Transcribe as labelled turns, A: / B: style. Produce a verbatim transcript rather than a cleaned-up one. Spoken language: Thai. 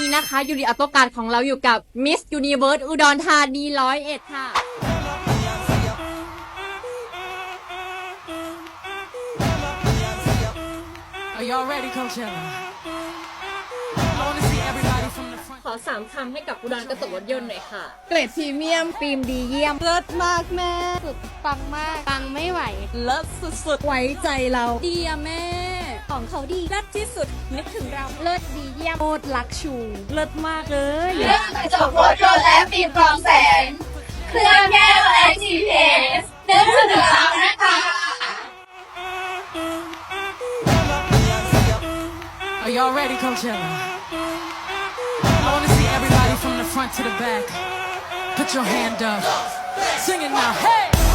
A: นะคะยูริอัตโตการของเราอยู่กับมิสยูนิเวิร์สอุดรธานีร้อยเอ็ดค่ะขอสามคำให้กับอุดรกระจกรถยนต์หน่อยค่ะเกรดพรีเมียมฟิล์มดีเยี่ยมเลิศมากแม่สุดปังมากปังไม่ไหวเลิศสุดๆไว้ใจเราดีอะแม่ของเขาดีเลิศที่สุดนึกถึงเราเลิศดีเยี่ยมโคตรลักชูเลิศมากเลย
B: เรื่องกระจกรถยนต์และฟิล์มกรองแสงเครื่องแก้วและ จี พี เอส นึกถึงเรานะคะ
C: Are y'all ready, Coachella? I want to see everybody from the front to the back. Put your hand up. Sing it now. Hey!